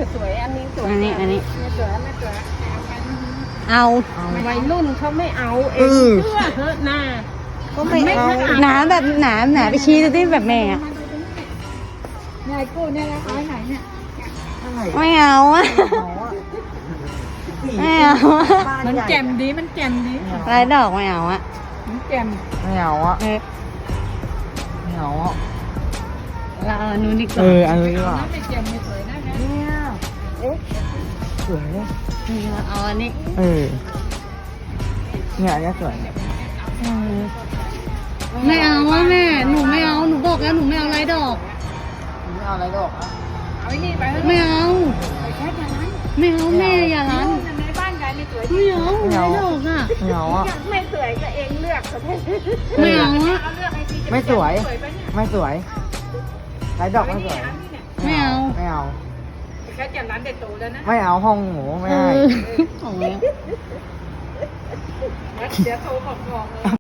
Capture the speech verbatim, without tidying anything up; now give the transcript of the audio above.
สวยอันนี้สวยอันนี้อันนี้ไม่สวยไม่สวยเอาวัยรุ่นเขาไม่เอาเอเอง อเชื่อเถอะนะก็ไม่เอาหนาแบบหนาหนาไปชี้ดูที่แบบแม่อะยายกู้เนี่ยนะเอาไว้ไหนเนี่ยอะไรไม่เอาอะเอาอะไม่เอาอะบ้ามันใหญ่แจ่มดีมันแจ่มดีลายดอกไม่เอาอะมันแจ่มไม่เอาอะเออไม่เอาอะเราเอาอันนู้นดีกเอว่าออันนี้ดีกว่าน้ำไม่แจ่มไม่สวยนะเนี่ยเอ๊ะสวยเนี่ยเราเอาอันนี้เออเนี่ยอันเนี้ยสวยเออไม่เอาอะแม่หนูไม่เอาหนูบอกแล้วหนูไม่เอาลายดอกไม่เอาอะไรดอกอะเอาไอ้นี่ไปเถอะไม่เอาแค่นั้นไม่เอาแม่อย่ารันในบ้านยายไม่สวยไม่เอาลายดอกอะไม่เอาอะไม่สวยก็เองเลือกเขาได้ไม่เอาอะเอาเลือกให้ดีไม่สวยสวยไปเนี่ยไม่สวยไรดอกไม่สวยไม่เอาไม่เอาแค่จะร้านเด็ดโตแล้วนะไม่เอาห้องหมูไม่เอให้อของแล้วเดี๋ยวโทรบอกบอกเลย